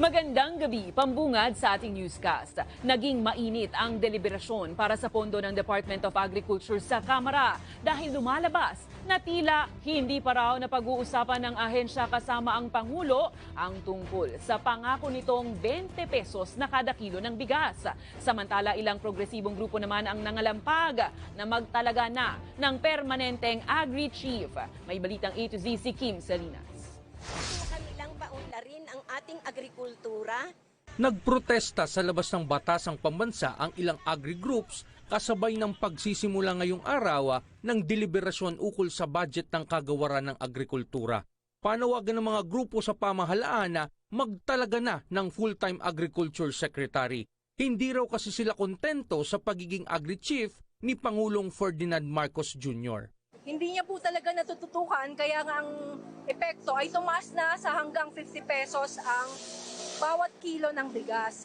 Magandang gabi, pambungad sa ating newscast. Naging mainit ang deliberasyon para sa pondo ng Department of Agriculture sa Kamara dahil lumalabas na tila hindi pa raw napag-uusapan ng ahensya kasama ang Pangulo ang tungkol sa pangako nitong 20 pesos na kada kilo ng bigas. Samantala ilang progresibong grupo naman ang nangalampag na magtalaga na ng permanenteng agri-chief. May balitang A to Z si Kim Salinas. Kanilang paunlarin ang ating agrikultura. Nagprotesta sa labas ng batasang pambansa ang ilang agri-groups kasabay ng pagsisimula ngayong araw ng deliberasyon ukol sa budget ng kagawaran ng agrikultura. Panawagan ng mga grupo sa pamahalaan na magtalaga na ng full-time agriculture secretary. Hindi raw kasi sila kontento sa pagiging agri-chief ni Pangulong Ferdinand Marcos Jr. Hindi niya po talaga natututukan, kaya nga ang epekto ay tumaas na sa hanggang 50 pesos ang bawat kilo ng bigas.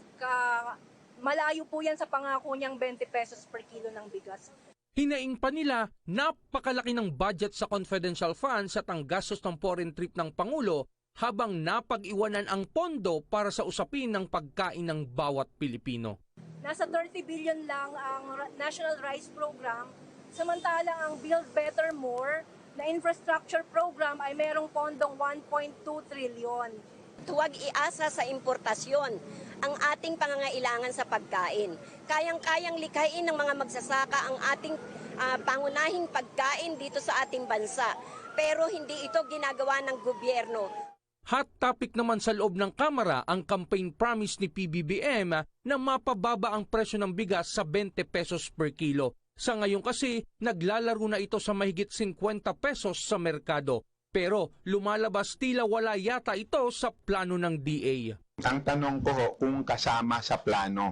Malayo po yan sa pangako niyang 20 pesos per kilo ng bigas. Hinaing pa nila napakalaki ng budget sa confidential funds at ang gastos ng foreign trip ng Pangulo habang napag-iwanan ang pondo para sa usapin ng pagkain ng bawat Pilipino. Nasa 30 billion lang ang National Rice Program, samantalang ang Build Better More na infrastructure program ay merong pondong 1.2 trillion. Huwag iasa sa importasyon ang ating pangangailangan sa pagkain. Kayang-kayang likhain ng mga magsasaka ang ating pangunahing pagkain dito sa ating bansa. Pero hindi ito ginagawa ng gobyerno. Hot topic naman sa loob ng Kamara ang campaign promise ni PBBM na mapababa ang presyo ng bigas sa 20 pesos per kilo. Sa ngayon kasi, naglalaro na ito sa mahigit 50 pesos sa merkado. Pero lumalabas tila wala yata ito sa plano ng DA. Ang tanong ko kung kasama sa plano.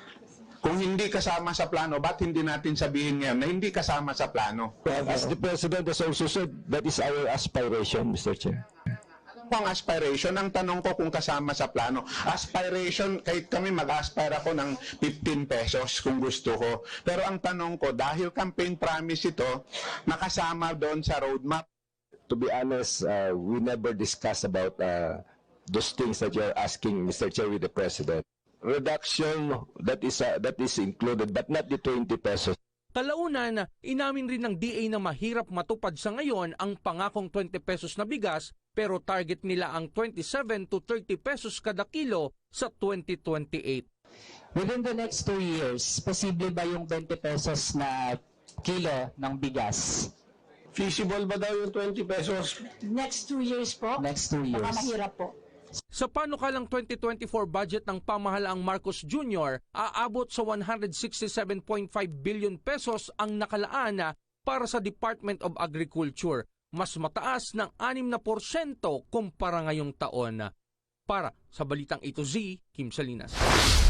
Kung hindi kasama sa plano, ba't hindi natin sabihin ngayon na hindi kasama sa plano? As the President has also said, that is our aspiration, Mr. Chair. Ang aspiration, ang tanong ko kung kasama sa plano. Aspiration, kahit kami mag-aspire ako ng 15 pesos kung gusto ko. Pero ang tanong ko, dahil campaign promise ito, nakasama doon sa roadmap. To be honest, we never discuss about those things that you're asking, Mr. Chair, with the President. Reduction, that is included, but not the 20 pesos. Kalaunan, inamin rin ng DA na mahirap matupad sa ngayon ang pangakong 20 pesos na bigas pero target nila ang 27 to 30 pesos kada kilo sa 2028. Within the next 2 years, posible ba yung 20 pesos na kilo ng bigas? Feasible ba daw yung 20 pesos? Next 2 years po? Next 2 years. Baka mahirap po. Sa panukalang 2024 budget ng pamahalaang Marcos Jr., aabot sa 167.5 billion pesos ang nakalaan para sa Department of Agriculture, mas mataas ng 6% kumpara ngayong taon. Para sa Balitang A to Z, Kim Salinas.